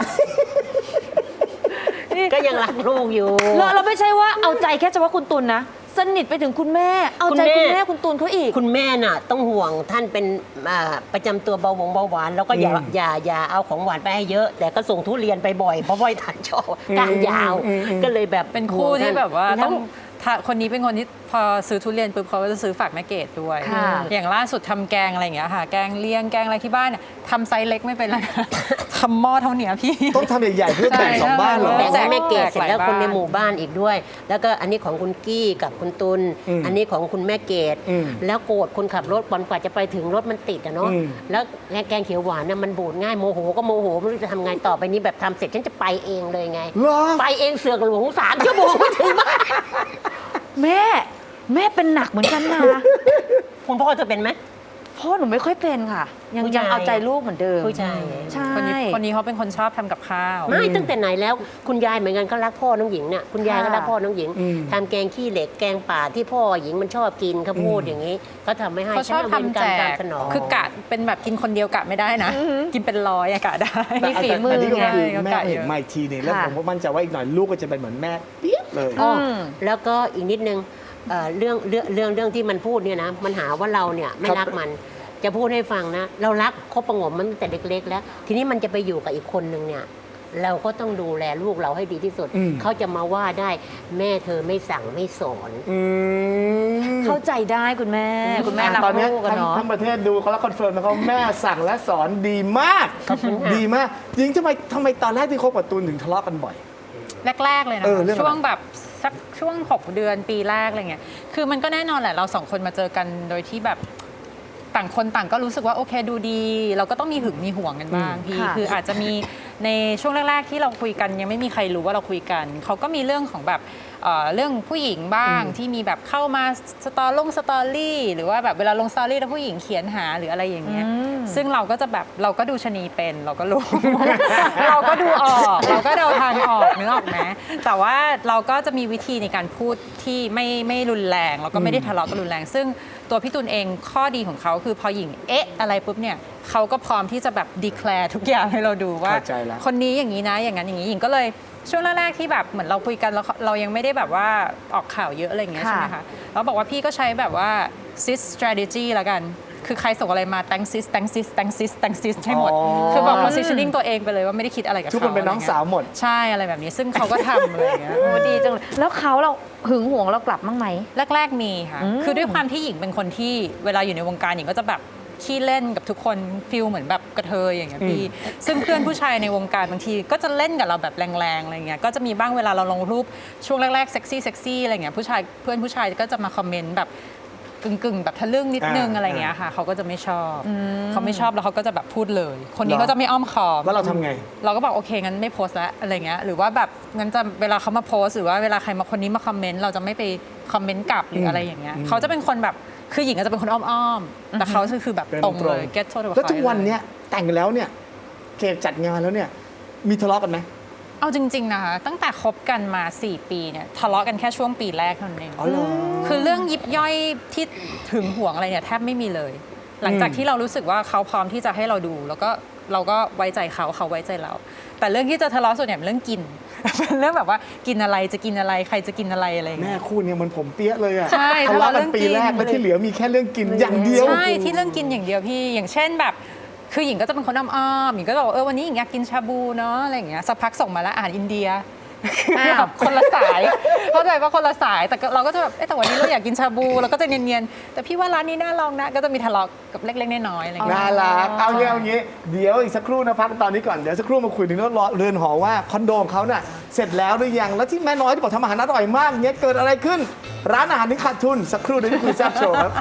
Speaker 6: ก็ยังรักลูกอยู่
Speaker 1: เราไม่ใช่ว่าเอาใจแค่เฉพาะคุณตุลนะ สนิทไปถึงคุณแม่ เอาใจคุณแม่คุณตุลเขาอีก
Speaker 6: คุณแม่น่ะต้องห่วงท่านเป็นประจำตัวเบาหวานแล้วก็อย่าเอาของหวานไปให้เยอะ แต่ก็ส่งทุเรียนไปบ่อยเพราะว่าท่านชอบก้านยาว ก็เลยแบบ
Speaker 5: เป็นคู่ที่แบบว่า
Speaker 6: แล้ว
Speaker 5: ต้องถ้าคนนี้เป็นคนที่พอซื้อทุเรียนปุ๊บเขาก็จะซื้อฝากแม่เกดด้วย
Speaker 1: ค่ะ
Speaker 5: อย่างล่าสุดทำแกงอะไรอย่างเงี้ยค่ะ แกงเลี้ยงแกงอะไรที่บ้านเนี่ยทำไซส์เล็กไม่เป็นแล้วนะ ทำหม้อเท่าเนี้ยพี่
Speaker 3: ต้องทำใหญ่ๆเพื่อแบ่ง
Speaker 5: ใช่
Speaker 3: สองบ้านเหรอ
Speaker 6: แบ่ง
Speaker 5: แจ
Speaker 6: ให้
Speaker 5: ก
Speaker 6: แม่เกดเสร็จแล้ว
Speaker 5: หลาย
Speaker 6: คนใน
Speaker 5: บ้าน
Speaker 6: หมู่บ้านอีกด้วย แล้วก็อันนี้ของคุณกี้กับคุณตุล อันนี้ของคุณแม่เกด
Speaker 3: อืม
Speaker 6: แล้วโกรธคนขับรถกว่าจะไปถึงรถมันติดอะเนาะ
Speaker 3: อืม
Speaker 6: แล้วแกงเขียวหวานเนี่ยมันบูดง่ายโมโหก็โมโหไม่รู้จะทำไงต่อไปนี้แบบทำเสร็จฉันจะไปเองเลยไง
Speaker 3: เหรอ
Speaker 6: ไปเองเสือกหลวง3 ชั่วโมงไม่ถึงบ้าน
Speaker 1: แม่เป็นหนักเหมือนกันนะ
Speaker 6: คุณพ่อเธอเป็นไหม
Speaker 1: พ่อหนูไม่ค่อยเป็นค่ะ ยัง
Speaker 6: ผู้ชาย
Speaker 1: เอาใจลูกเหมือนเดิม
Speaker 6: ผู้ชาย
Speaker 1: ใช่
Speaker 5: คนนี้เขาเป็นคนชอบทำกับข้าว
Speaker 6: ไม่ตั้งแต่ไหนแล้วคุณยายเหมือนกันก็รักพ่อน้องหญิงเนี่ยคุณยายก็รักพ่อน้องหญิง
Speaker 3: อืม
Speaker 6: ทำแกงขี้เหล็กแกงป่าที่พ่อหญิงมันชอบกินเขาพูดอย่างนี้ก็ทำไม่ให้
Speaker 5: เขาชอบ
Speaker 6: ฉัน
Speaker 5: ทำแจ
Speaker 6: เป็น
Speaker 5: ก
Speaker 6: การสนอง
Speaker 5: คือกะเป็นแบบกินคนเดียวกะไม่ได้นะ กินเป็นร้อยอะกะได้
Speaker 1: มีฝีมือ
Speaker 3: แต่นนี้ก็
Speaker 1: ไง
Speaker 3: คือ
Speaker 5: เขา
Speaker 3: แม่
Speaker 5: กะเยอะ
Speaker 3: เห็นมาอีกทีเนี่ยแล้ว
Speaker 1: ค่ะ
Speaker 3: ผมก็มั่นใจว่าอีกหน่อยลูกก็จะเป็นเหมือนแม่เปี้ยเลย
Speaker 6: อ๋อแล้วก็อีกนิดนึงเรื่องที่มันพูดเนี่ยนะมันหาว่าเราเนี่ยไม่รักมันจะพูดให้ฟังนะ เรารักคบประหงมมันตั้งแต่เล็กๆแล้ว ทีนี้มันจะไปอยู่กับอีกคนนึงเนี่ยเราก็ต้องดูแลลูกเราให้ดีที่สุด
Speaker 3: อืม
Speaker 6: เขาจะมาว่าได้แม่เธอไม่สั่งไม่สอน
Speaker 1: เข้าใจได้คุณแม่ คุณแม่รัก
Speaker 3: ตอนเนี้ย
Speaker 1: ลูกกันเนาะ
Speaker 3: ทั้งประเทศดูเขาแล้วคอนเฟิร์มนะครับแม่สั่งและสอนดีมาก ดีมากจริงทำไมตอนแรกที่คบกับตูนถึงทะเลาะกันบ่อย
Speaker 5: แรก ๆ เลยนะ
Speaker 3: เรื่องอะไร
Speaker 5: ช่วงแบบสักช่วง 6 เดือนปีแรกอะไรเงี้ยคือมันก็แน่นอนแหละเราสองคนมาเจอกันโดยที่แบบต่างคนต่างก็รู้สึกว่าโอเคดูดี เราก็ต้องมีหึงมีห่วงกันบ้างพี่
Speaker 1: ค่ะ
Speaker 5: คืออาจจะมีในช่วงแรก ๆ ที่เราคุยกันยังไม่มีใครรู้ว่าเราคุยกันเขาก็มีเรื่องของแบบเรื่องผู้หญิงบ้างที่มีแบบเข้ามาสตอรี่หรือว่าแบบเวลาลงสตอรี่แล้วผู้หญิงเขียนหาหรืออะไรอย่างเงี้ยซึ่งเราก็จะแบบเราก็ดูชะนีเป็นเราก็รู้ เราก็ดูออกเราก็เดาทางออกนึกออกไหมแต่ว่าเราก็จะมีวิธีในการพูดที่ไม่รุนแรงแล้วก็ไม่ได้ทะเลาะกันรุนแรง ซึ่งตัวพี่ตุลเองข้อดีของเขาคือพอหญิงอะไรปุ๊บเนี่ยเขาก็พร้อมที่จะแบบดีแคลร์ทุกอย่างให้เราดูว่า
Speaker 3: เข้าใจแล้ว
Speaker 5: คนนี้อย่างนี้นะอย่างนั้นอย่างนี้หญิงก็เลยช่วงแรกๆที่แบบเหมือนเราคุยกันแล้วเรายังไม่ได้แบบว่าออกข่าวเยอะอะไรอย่างเงี้ย
Speaker 1: ค่ะ
Speaker 5: ใช่ไหมคะเราบอกว่าพี่ก็ใช้แบบว่า sis strategy ละกัน คือใครส่งอะไรมา thank sis thank sis thank sis thank sis ให้หมด
Speaker 3: อ๋อ
Speaker 5: คือบอก positioning ตัวเองไปเลยว่าไม่ได้คิดอะไรกับเขา
Speaker 3: ทุกคนเป็นน้องสาวหมด
Speaker 5: ใช่อะไรแบบนี้ ซึ่งเขาก็ทำอะไรอย่างเงี้ย
Speaker 1: โอ้ดีจังเลยแล้วเราหึงหวงเรากลับบ้างไหม
Speaker 5: แรกๆมีค่ะ คือด้วยความที่หญิงเป็นคนที่เวลาอยู่ในวงการหญิงก็จะแบบขี้เล่นกับทุกคนฟิลเหมือนแบบกระเทยอย่างเงี้ยพี่ ซึ่งเพื่อนผู้ชายในวงการบางทีก็จะเล่นกับเราแบบแรงๆอะไรเงี้ย ก็จะมีบ้างเวลาเราลงรูปช่วงแรกๆเซ็กซี่อะไรเงี้ยเพื่อนผู้ชายก็จะมาคอมเมนต์แบบกึ่งๆแบบทะลึ่งนิดนึงอะไรเงี้ยค่ะเขาก็จะไม่ชอบเขาไม่ชอบแล้วเขาก็จะแบบพูดเลย คนนี้
Speaker 3: เหรอ
Speaker 5: เขาจะไม่อ้อมค้อม
Speaker 3: แล้วเราทำไง
Speaker 5: เราก็บอกโอเคงั้นไม่โพสต์แล้วอะไรเงี้ยหรือว่าแบบงั้นจะเวลาเขามาโพสต์หรือว่าเวลาใครมาคนนี้มาคอมเมนต์เราจะไม่ไปคอมเมนต์กลับหรืออะไรอย่างเงี้ยเขาจะเป็นคนแบบคือหญิงก็จะเป็นคนอ้อมๆแต่เขาคือแบบตรงเลย get to the point
Speaker 3: แล้วทุกวันเนี้ยแต่งแล้วเนี่ยเกดจัดงานแล้วเนี่ยมีทะเลาะกันไหม
Speaker 5: เอาจริงๆนะคะตั้งแต่คบกันมา 4 ปีเนี่ยทะเลาะกันแค่ช่วงปีแรกเท่านั้นเอง
Speaker 3: อ๋อเหรอ
Speaker 5: คือเรื่องยิบย่อยที่ถึงห่วงอะไรเนี่ยแทบไม่มีเลยหลังจากที่เรารู้สึกว่าเขาพร้อมที่จะให้เราดูแล้วก็เราก็ไว้ใจเขาเขาไว้ใจเรา แต่เรื่องที่จะทะเลาะส่วนใหญ่เป็นเรื่องกิน เป็นเรื่องแบบว่ากินอะไรจะกินอะไรใครจะกินอะไรอะไรอย่าง
Speaker 3: แม่
Speaker 5: เงี้ย
Speaker 3: คู่เนี่ยมันผมเปี้ยเลยอะ
Speaker 5: ใช่
Speaker 3: ทะเลาะกันปี
Speaker 5: ทะเลาะเรื่องกิน
Speaker 3: แรกแล้วที่เหลือมีแค่เรื่องกินอย่างเดียว
Speaker 5: ใช่ที่เรื่องกินอย่างเดียวพี่อย่างเช่นแบบคือหญิงก็จะเป็นคนอ้อมๆหญิงก็จะบอกวันนี้หญิงอยากกินชาบูเนาะอะไรอย่างเงี้ยสักพักส่งมาแล้วอาหารอินเดียแบบคนละสายเข้าใจว่าคนละสายแต่เราก็จะแบบแต่วันนี้เราอยากกินชาบูเราก็จะเนียนๆแต่พี่ว่าร้านนี้น่าลองนะก็จะมีทะเลาะกับเล็กๆน้อยๆอะไรอย่างเงี้ย
Speaker 3: น่ารักเอางี้เดี๋ยวอีกสักครู่นะพักตอนนี้ก่อนเดี๋ยวสักครู่มาคุยถึงเรื่องเรือนหอว่าคอนโดของเขาน่ะเสร็จแล้วหรือยังแล้วที่แม่น้อยที่บอกทำอาหารอร่อยมากเนี้ยเกิดอะไรขึ้น ร้านอาหารถึงขาดทุนสักครู่เดี๋ยวที่คุยแซ่บโชว์ครับ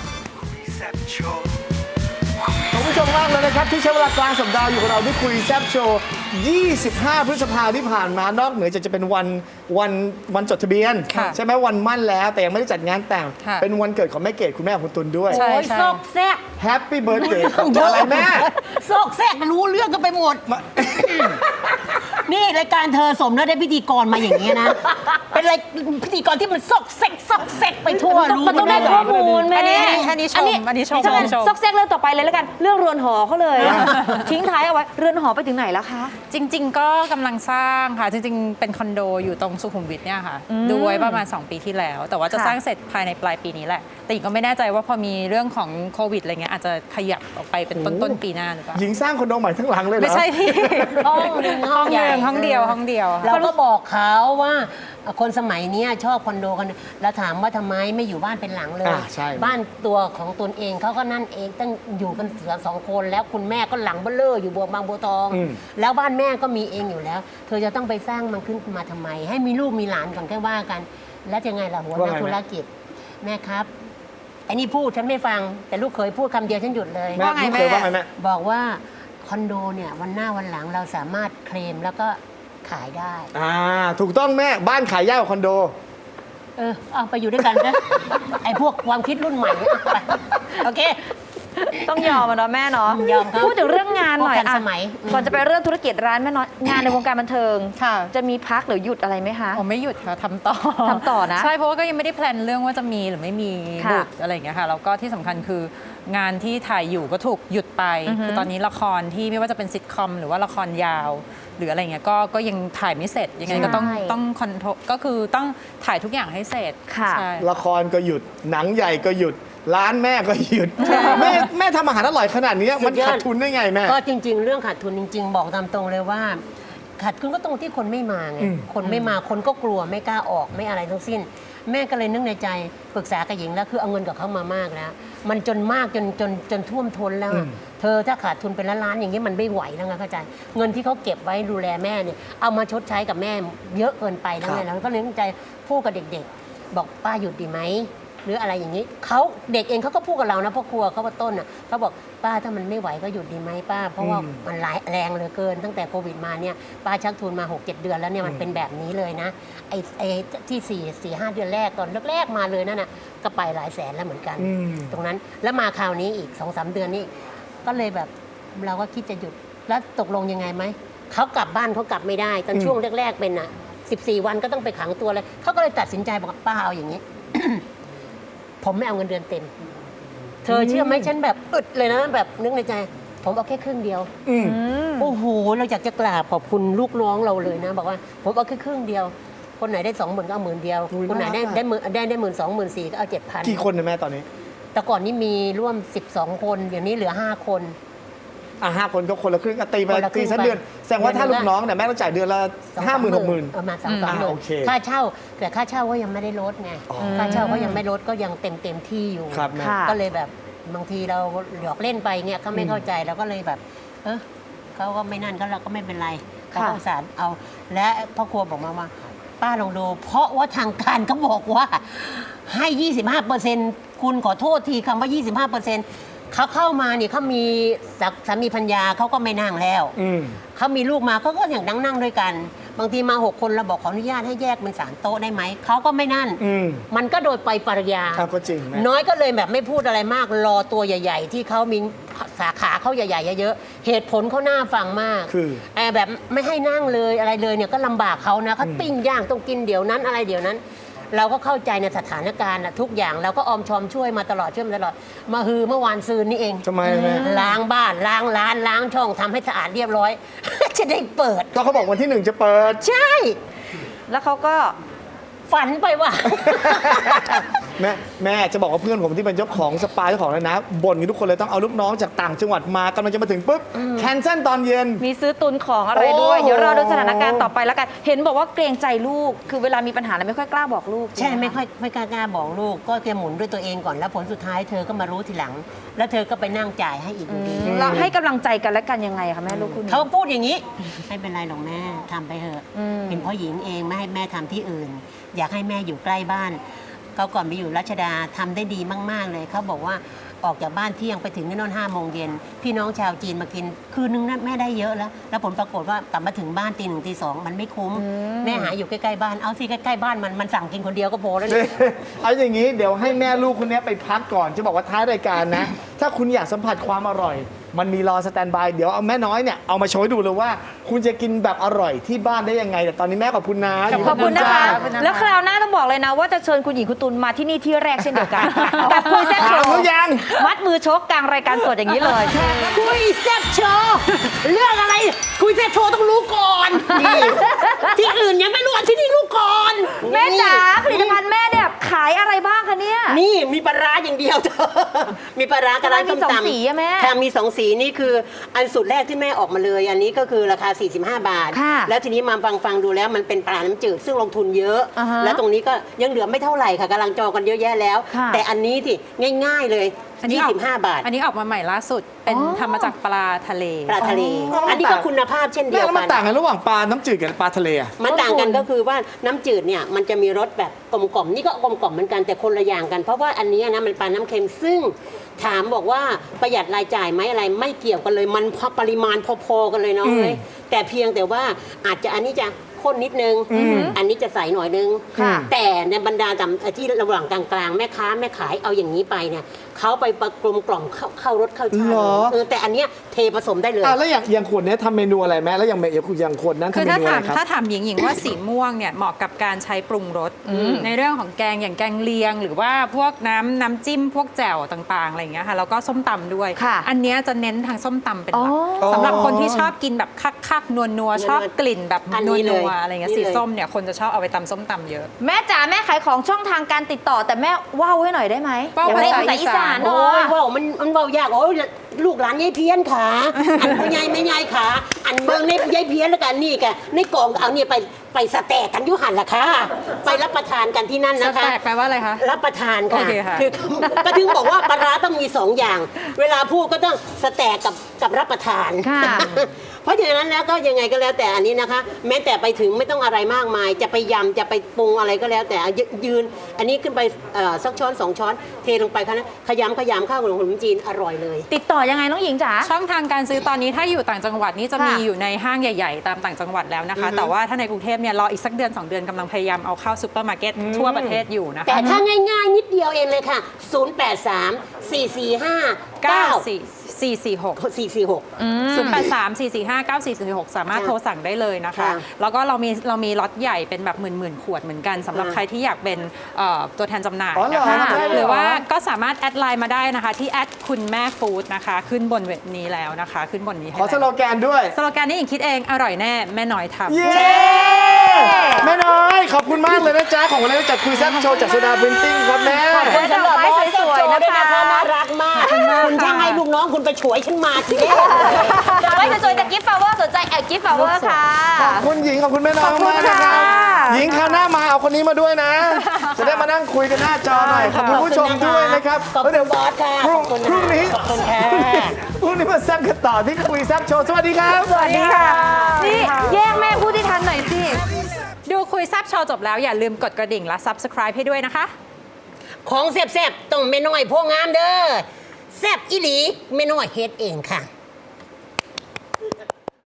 Speaker 3: ขอบคุณผู้ชมมากเลยนะครับที่ใช้เวลากลางสัปดาห์อยู่กับเราที่คุยแซ่บโชว์25 พฤษภาที่ผ่านมานอกเหนือจากจะเป็นวันจดทะเบียน
Speaker 5: ค่ะ
Speaker 3: ใช่ไหมวันมั่นแล้วแต่ยังไม่ได้จัดงานแต่ง
Speaker 5: ค่ะ
Speaker 3: เป็นวันเกิดของแม่เกดคุณแม่ของคุณตุลด้วย
Speaker 5: ใช่
Speaker 6: โอ้ยซอกแซก
Speaker 3: แฮปปี้เบิร์ดเดย์อะไรแม่
Speaker 6: ซอกแซกรู้เรื่องกันไปหมด นี่รายการเธอสมแล้วได้พิธีกรมาอย่างนี้ยนะ เป็นอะไรพิธีกรที่มันซอกแซกไปทั่วรู้
Speaker 1: มันต้องได้
Speaker 6: ห
Speaker 1: ข้อมูลแม่
Speaker 5: อันนี้ชมอันนี้ชม
Speaker 1: ถ้างั้น
Speaker 5: ชม
Speaker 1: ซอกแซกเรื่องต่อไปเลยแล้วกัน เรื่องเรือนหอเขาเลย ทิ้งท้ายเอาไว้ เรือนหอไปถึงไหนแล้วคะ
Speaker 5: จริง ๆ ก็กำลังสร้างค่ะจริง ๆ เป็นคอนโดอยู่ตรงสุขุมวิทเนี่ยค่ะดูไว้ประมาณ 2 ปีที่แล้ว แต่ว่าจะ
Speaker 1: ค่ะ
Speaker 5: สร้างเสร็จภายในปลายปีนี้แหละ แต่หญิงก็ไม่แน่ใจว่าพอมีเรื่องของโควิดอะไรเงี้ยอาจจะขยับออกไปเป็นต้นปีหน้าหรือเปล่า
Speaker 3: หญิงสร้างคอนโดใหม่ทั้งหลังเลยเหรอ
Speaker 5: ไม่ใช่พี่
Speaker 6: ห้องหนึ่งห้องใหญ่
Speaker 5: ห้องเดียวห้องเดียวค่ะ
Speaker 6: เราก็บอกเขาว่าคนสมัยเนี้ยชอบคอนโดกันแล้วถามว่าทำไมไม่อยู่บ้านเป็นหลังเลย
Speaker 3: ใช่
Speaker 6: บ้านตัวของตนเองเขาก็นั่นเองตั้งอยู่กันสองคนแล้วคุณแม่ก็หลังเบ้อเร่ออยู่บางบัวทอง แล้วบ้านแม่ก็มีเองอยู่แล้ว เธอจะต้องไปสร้างมันขึ้นมาทำไม ให้มีลูกมีหลานก่อนแค่ว่ากัน แล้วจะไงล่ะหัวหน้าธุรกิจแม่ครับไอ้นี่พูดฉันไม่ฟังแต่ลูกเคยพูดคำเดียวฉันหยุดเลย
Speaker 3: แม่ลูกเคยว่าไงแม่
Speaker 6: บอกว่าคอนโดเนี่ยวันหน้าวันหลังเราสามารถเคลมแล้วก็ขายได้
Speaker 3: ถูกต้องแม่บ้านขายยากกว่าคอนโด
Speaker 6: เอาไปอยู่ด้วยกันนะ ไอ้พวกความคิดรุ่นใหม่เนี่ยเอาไปโอเค
Speaker 1: ต้องยอมมันเนาะแม่เนาะ
Speaker 6: ยอมครับ
Speaker 1: พูดถึงเรื่องงานหน่อย
Speaker 6: พวกทัน
Speaker 1: อะ
Speaker 6: สมัย
Speaker 1: ก่อนจะไปเรื่องธุรกิจร้านแม่น้อยงานในวงการบันเทิง
Speaker 5: ค่ะ
Speaker 1: จะมีพักหรือหยุดอะไรไหมคะ
Speaker 5: ผมไม่หยุดค่ะทำต่อ
Speaker 1: ทำต่อนะ
Speaker 5: ใช่เพราะว่าก็ยังไม่ได้แพลนเรื่องว่าจะมีหรือไม่มี
Speaker 1: ค่ะ
Speaker 5: บุตรอะไรอย่างเงี้ยค่ะแล้วก็ที่สำคัญคืองานที่ถ่ายอยู่ก็ถูกหยุดไป คือตอนนี้ละครที่ไม่ว่าจะเป็นซิทคอมหรือว่าละครยาว หรืออะไรเงี้ยก็ยังถ่ายไม่เสร็จยังไงก็ต้องคอนโทรลก็คือต้องถ่ายทุกอย่างให้เสร็จ
Speaker 1: ค่ะ
Speaker 5: ใช่
Speaker 3: ละครก็หยุดหนังใหญ่ก็หยุดร้านแม่ก็หยุดแม่ทำอาหารอร่อยขนาดนี้มันขาดทุนได้ไงแม่
Speaker 6: ก็จริง ๆ เรื่องขาดทุนจริง ๆ บอกตามตรงเลยว่า ขาดทุนก็ตรงที่คนไม่มาไงคนไม่มาคนก็กลัวไม่กล้าออกไม่อะไรทั้งสิ้น แม่ก็เลยนึกในใจปรึกษากับหญิงแล้วคือเอาเงินกับเขามามากแล้ว มันจนมากจนท่วมท้นแล้วอะเธอถ้าขาดทุนเป็นล้านๆอย่างนี้มันไม่ไหวแล้วไงเข้าใจเงินที่เขาเก็บไว้ดูแลแม่เนี่ยเอามาชดใช้กับแม่เยอะเกินไปแล้วไงแล้วก็เลยนึกในใจพูดกับเด็กๆ บอกป้าหยุดดีไหมหรืออะไรอย่างนี้เขาเด็กเองเขาก็พูดกับเรานะพ่อครัวเขาว่าต้นอ่ะเขาบอกป้าถ้ามันไม่ไหวก็หยุดดีไหมป้าเพราะว่ามันแรงเหลือเกินตั้งแต่โควิดมาเนี่ยป้าชักทุนมา 6-7 เดือนแล้วเนี่ยมันเป็นแบบนี้เลยนะไอ้ที่4-5 เดือนแรกตอนแรกๆมาเลยนั่นน่ะก็ไปหลายแสนแล้วเหมือนกัน ตรงนั้นแล้วมาคราวนี้อีก 2-3 เดือนนี้ก็เลยแบบเราก็คิดจะหยุดแล้วตกลงยังไงไหมเขากลับบ้านเขากลับไม่ได้ตอนช่วงแรกๆเป็นอ่ะ14 วันก็ต้องไปขังตัวเลยเขาก็เลยตัดสินใจบอกว่าป้าเอาอย่างนี้ ผมไม่เอาเงินเดือนเต็ม เธอเชื่อไหมฉันแบบอึดเลยนะแบบนึกในใจ ผมเอาแค่ครึ่งเดียวโอ้โหเราอยากจะกราบขอบคุณลูกน้องเราเลยนะ บอกว่าผมเอาแค่ครึ่งเดียว คนไหนได้ 20,000ก็เอา10,000เดียว
Speaker 3: อุ๊ย
Speaker 6: คนไหนได้
Speaker 3: น่ารักอะ
Speaker 6: ได้12,000-14,000ก็เอา 7,000
Speaker 3: กี่คนนะแม่ตอนนี้
Speaker 6: แต่ก่อนนี้มีร่วม12 คนเดี๋ยวนี้เหลือ5 คน
Speaker 3: 5 คนก็คนละครึ่งตีไป
Speaker 6: คนละครึ่
Speaker 3: ตี
Speaker 6: ง
Speaker 3: สักเดือนแสดงว่าถ้า
Speaker 6: เดื
Speaker 3: ลู
Speaker 6: อน
Speaker 3: ก
Speaker 6: ละ
Speaker 3: น้องเนี่ยแม่ต้องจ่ายเดือนละ50,000-60,000
Speaker 6: ประมาณ2-3 หมื่น
Speaker 3: โอเค
Speaker 6: ค่าเช่า แต่ค่าเช่าก็ยังไม่ได้ลดไงค่าเช่าก็ยังไม่ลดก็ยังเต็มที่อยู่
Speaker 3: ครับแม่
Speaker 1: ค่ะ
Speaker 6: ก็เลยแบบบางทีเราหยอกเล่นไปเงี้ยเขาไม่เข้าใจเราก็เลยแบบ เขาก็ไม่นั่นก็เราก็ไม่เป็นไรเขาก็อุตส่าห์เอา และพ่อครัวบอกมาว่าป้าลองดูเพราะว่าทางการเขาบอกว่าให้ 25%คุณขอโทษทีคำว่า 25%เขาเข้ามาเนี่ยเขามีสามีพัญญาเขาก็ไม่นั่งแล้วเขามีลูกมาเขาก็อย่างนั่งด้วยกัน บางทีมา 6 คนเราบอกขออนุญาตให้แยกเป็น3 โต๊ะได้ไหมเขาก็ไม่นั่น มันก็โดยไปปริยา
Speaker 3: ครับก็จริงแม่
Speaker 6: น้อยก็เลยแบบไม่พูดอะไรมากรอตัวใหญ่ ๆ ที่เขามีสาขาเขาใหญ่ๆเยอะๆเหตุผลเขาน่าฟังมาก
Speaker 3: คือ
Speaker 6: แบบไม่ให้นั่งเลยอะไรเลยเนี่ยก็ลำบากเขานะเขาปิ้งย่างต้องกินเดี๋ยวนั้นอะไรเดี๋ยวนั้นเราก็เข้าใจในสถานการณ์น่ะทุกอย่างเราก็ออมชอมช่วยมาตลอดมาฮือเมื่อวานซืนนี่เอง
Speaker 3: ทำไมแม่
Speaker 6: ล้างบ้านล้างร้านล้างช่องทำให้สะอาดเรียบร้อย จะได้เปิด
Speaker 3: ก็เขาบอกวันที่ 1 จะเปิด
Speaker 6: ใช่
Speaker 1: แล้วเขาก็
Speaker 6: ฝันไปว่า
Speaker 3: แม่จะบอกว่าเพื่อนผมที่เป็นเจ้าของสปาเจ้าของเลยนะบ่นกันทุกคนเลยต้องเอาลูกน้องจากต่างจังหวัดมากำลังจะมาถึงปุ๊บแคนเซิลตอนเย็น
Speaker 1: มีซื้อตุนของอะไรด้วย
Speaker 3: โอ้
Speaker 1: เดี๋ยวรอดูสถานการณ์ต่อไปแล้วกัน เห็นบอกว่าเกรงใจลูก คือเวลามีปัญหาแล้วไม่ค่อยกล้าบอกลูก
Speaker 6: ใช่
Speaker 1: ห
Speaker 6: ไม่กล้าบอกลูกก็แกหมุนด้วยตัวเองก่อนแล้วผลสุดท้ายเธอก็มารู้ทีหลัง แล้วเธอก็ไปนั่งจ่ายให้อีกอยู่ดี
Speaker 1: เราให้กำลังใจกันและกันยังไงคะแม่ลูกคู่นี้
Speaker 6: เขาพูดอย่างนี้ ไม่เป็นไรหรอกแม่ทำไปเถอะ
Speaker 1: อืม
Speaker 6: เป็นเพราะหญิงเองไม่ให้แม่ทำที่อื่น อยากให้แม่อยู่ใกล้บ้านเขาก่อนไปอยู่รัชดาทำได้ดีมาก ๆ เลยเขาบอกว่าออกจากบ้านเที่ยงไปถึงที่โน่น5 โมงเย็นพี่น้องชาวจีนมากินคืนนึงนะแม่ได้เยอะแล้วผลปรากฏว่ากลับมาถึงบ้านตี 1 ตี 2มันไม่คุ้ม แม่หาอยู่ใกล้ๆบ้านเอาสิใกล้ๆบ้านมันสั่งกินคนเดียวก็พอแล้วเนี่ย
Speaker 3: เอาอย่างนี้เดี๋ยวให้แม่ลูกคนนี้ไปพักก่อนจะบอกว่าท้ายรายการนะ ถ้าคุณอยากสัมผัสความอร่อย มันมีรอสแตนบายเดี๋ยวเอาแม่น้อยเนี่ยเอามาโชว์ให้ดูเลยว่า คุณจะกินแบบอร่อยที่บ้านได้ยังไง แต่ตอนนี้แม่ขอบคุณนะ
Speaker 1: ขอบคุณนะคะ
Speaker 3: ขอบคุณจ้า
Speaker 1: แล้วคราวหน้าต้องบอกเลยนะว่าจะเชิญคุณหญิงคุณตุลมาที่นี่ที่แรกเช่นเดียวกัน กับคุยแซ่บโช
Speaker 3: ถาม
Speaker 1: ว์
Speaker 3: เขายัง
Speaker 1: มัดมือชกกลางรายการสดอย่างนี้เลย
Speaker 6: คุยแซ่บโชว์เรื่องอะไร คุยแซ่บโชว์ต้องรู้ก่อนนี่ที่อื่นยังไม่รู้อันที่นี่รู้ก่อน
Speaker 1: แม่จ๋าผลิตภัณฑ์แม่เนี่ยขายอะไรบ้างคะเนี่ย
Speaker 6: นี่มีปลาร้าอย่างเดียวเธอมีปลาร้ากับร้านส้ม
Speaker 1: ทำไมมีสอง
Speaker 6: ตำ
Speaker 1: สีอะแม่
Speaker 6: ค่ะมี2 สีนี่คืออันสุดแรกที่แม่ออกมาเลย อันนี้ก็คือราคา 45 บาท
Speaker 1: ค่ะ
Speaker 6: แล้วทีนี้มาฟังดูแล้วมันเป็นปลาน้ำจืดซึ่งลงทุนเยอะ
Speaker 1: อ่าฮะ
Speaker 6: แล้วตรงนี้ก็ยังเหลือไม่เท่าไหร่ค่ะกำลังจองกันเยอะแยะแล้ว
Speaker 1: ค่ะ
Speaker 6: แต่อันนี้สิง่าย ๆเลย
Speaker 5: อันนี้ออก
Speaker 6: 25 บาท
Speaker 5: อันนี้ออกมาใหม่ล่าสุด เป็น
Speaker 1: อ๋อ
Speaker 5: ทำมาจากปลาทะเล
Speaker 6: ปลาทะเล
Speaker 3: อ๋ออั
Speaker 6: อันนี้ก็คุณภาพเช่นเดี
Speaker 3: แม่
Speaker 6: ยว
Speaker 3: แล้วมั
Speaker 6: กัน น
Speaker 3: ต่างกันระหว่างปลาน้ำจืดกับปลาทะเลอะ
Speaker 6: มันต่างกันก็คือว่าน้ำจืดเนี่ยมันจะมีรสแบบกลมกล่อมนี่ก็กลมกล่อมเหมือนกันแต่คนละอย่างกัน เพราะว่าอันนี้นะมันปลาน้ำเค็มซึ่งถามบอกว่าประหยัดรายจ่ายไหมอะไรไม่เกี่ยวกันเลยมันปริมาณพอๆกันเลยน้องเลยแต่เพียงแต่ว่าอาจจะอันนี้จะข้นนิดนึง อันนี้จะใสหน่อยนึง
Speaker 1: ค่ะ
Speaker 6: แต่ในบรรดาที่ระหว่างกลางๆแม่ค้าแม่ขายเอาอย่างนี้ไปเนี่ยเขาไปประกลมกล่อมเข้ารสเข้าชาติ
Speaker 3: เหรอ
Speaker 6: แต่อันเนี้ยเทผสมได้เลย
Speaker 3: แล้วอย่างขวดเนี้ยทำเมนูอะไรแม่แล้วอย่างขวดนั้น
Speaker 5: คือ
Speaker 3: ทำเม
Speaker 5: ถ้า
Speaker 3: นูอะ
Speaker 5: ถา
Speaker 3: ไร
Speaker 5: ม
Speaker 3: ครับ
Speaker 5: ถ้าถามหญิงว่าสีม่วงเนี่ยเหมาะกับการใช้ปรุงรสในเรื่องของแกงอย่างแกงเลียง หรือว่าพวกน้ำจิ้มพวกแจ่วต่างๆอะไรอย่างเงี้ยค่ะแล้วก็ส้มตำด้วย
Speaker 1: ค่ะ
Speaker 5: อันเนี้ยจะเน้นทางส้มตำเป็นหลัก
Speaker 1: อ๋อ
Speaker 5: สำหรับคนที่ชอบกินแบบคักๆนัวๆชอบกลิ่นแบบ
Speaker 6: อัน
Speaker 5: นั
Speaker 6: นี้เล
Speaker 5: วย ๆอะไรเงี้ย
Speaker 6: นี่
Speaker 5: สี
Speaker 6: เลย
Speaker 5: ส้มเนี่ยคนจะชอบเอาไปตำส้มตำเยอะ
Speaker 1: แม่จ๋าแม่ขายของช่องทางการติดต่อ แต่แม่ว่าวให้หน่อยได้ไหม
Speaker 5: ว่าว
Speaker 1: อยากได้
Speaker 5: ภา
Speaker 1: ภา
Speaker 5: ษา
Speaker 1: ษาอีสาน
Speaker 6: โอ้
Speaker 1: เนาะ
Speaker 6: ยว่าวมันว่าวยากโอ้ยลูกหลานยายเพี้ยนขาอันพ่อใหญ่แม่ใหญ่ขาอันเบิ่งในยายเพี้ยนแล้วกันนี่กะในกล่องเอาเนี่ยไปสแต็กกันอยุหันล่ะค่ะไปรับประทานกันที่นั่น
Speaker 5: ส
Speaker 6: นะคะ
Speaker 5: แต็กแปลว่าอะไรคะ
Speaker 6: รับประทานค่ะ
Speaker 5: โอเคค่ะ
Speaker 6: อก็ถึงบอกว่าปลาร้าต้องมี2 อย่าง เวลาพูดก็ต้องสแต็กกับรับประทาน
Speaker 1: ค่ะ
Speaker 6: เพราะฉะนั้นแล้วก็ยังไงก็แล้วแต่อันนี้นะคะ แม้แต่ไปถึงไม่ต้องอะไรมากมาย จะไปยำจะไปปรุงอะไรก็แล้วแต่ยืน อันนี้ขึ้นไปสักช้อน2 ช้อนเทลงไปค่ะนะขยำข้าวขนมจีนอร่อยเลย
Speaker 1: ติดต่อยังไงน้องหญิงจ๋า
Speaker 5: ช่องทางการซื้อตอนนี้ถ้าอยู่ต่างจังหวัดนี่จะ
Speaker 1: ค่ะ
Speaker 5: มีอยู่ในห้างใหญ่ ๆ ตามต่างจังหวัดแล้วนะคะ แต่ว่าถ้าในกรุงเทพเนี่ยรออีกสักเดือน 2 เดือนกำลังพยายามเอาเข้าซูเปอร์มาร์เก็ตทั่วประเทศอยู่นะคะ
Speaker 6: แต่ถ้าง่ายๆ นิดเดียวเองเลยค่ะ 083 445
Speaker 5: 446
Speaker 6: 446
Speaker 5: 083-445-9446 สามารถโทรสั่งได้เลยนะคะ
Speaker 6: ค่ะ
Speaker 5: แล้วก็เรามีล็อตใหญ่เป็นแบบหมื่นขวดเหมือนกันสำหรับ
Speaker 6: ค่ะ
Speaker 5: ใครที่อยากเป็นตัวแทนจำหน่าย
Speaker 3: อ๋อเหรอ
Speaker 5: นะคะ
Speaker 3: ได้เหรอ
Speaker 5: หรือว่าก็สามารถแอดไลน์มาได้นะคะ ที่แอดคุณแม่ฟู้ดนะคะ ขึ้นบนเว็บนี้แล้วนะคะ ขึ้นบนนี้ให้
Speaker 3: ขอสโล
Speaker 5: แล้ว
Speaker 3: แกนด้วย
Speaker 5: สโลแกนนี้หญิงคิดเองอร่อยแน่แม่น้อยทำ
Speaker 3: เย้แม่น้อยขอบคุณมากเลยนะจ๊ะของวันนี้จัดคุยแซ่บโชว์จากโซดาพรินติ้งครับแม่
Speaker 1: ขอบคุณ ดอกไม้สวยๆนะคะ
Speaker 6: น่ารักมาก คุณช่างให้ลูกน้องคุณไปฉวยฉันมาทีเดียว
Speaker 1: ดอกไม้สวยๆจากกิฟต์ฟลาเวอร์สนใจแอดกิฟต์ฟลาเวอร์ค่ะ
Speaker 3: ขอบคุณหญิงขอบคุณแม่น้อง
Speaker 1: ขอบคุณ
Speaker 3: มากนะครับ
Speaker 1: ค่ะ
Speaker 3: หญิงคราวหน้ามาเอาคนนี้มาด้วยนะ จะได้มานั่งคุยกันหน้าจอหน่อยขอบคุณผู้ชมด้วยนะครับ
Speaker 6: ขอบคุณ
Speaker 3: แล้วเดี๋ยว
Speaker 6: บอสค่ะ
Speaker 3: พรุ่ง
Speaker 6: ขอบคุณ
Speaker 3: พรุ่งนี้
Speaker 6: ขอบคุณค่ะ
Speaker 3: พรุ่งนี้มาแซ่บกันต่อที่คุยแซ่บโชว์สวัสดีครับ
Speaker 1: สวัสดีค่ะ นี่แยกแม่พูดที่ทันหน่อยสิ
Speaker 5: ดูคุยแซบโชว์จบแล้วอย่าลืมกดกระดิ่งและ Subscribe ให้ด้วยนะคะ
Speaker 6: ของแซ่บๆต้องไม่น้อยพวกงามเด้อแซ่บอีหลีไม่น้อยเฮ็ดเองค่ะ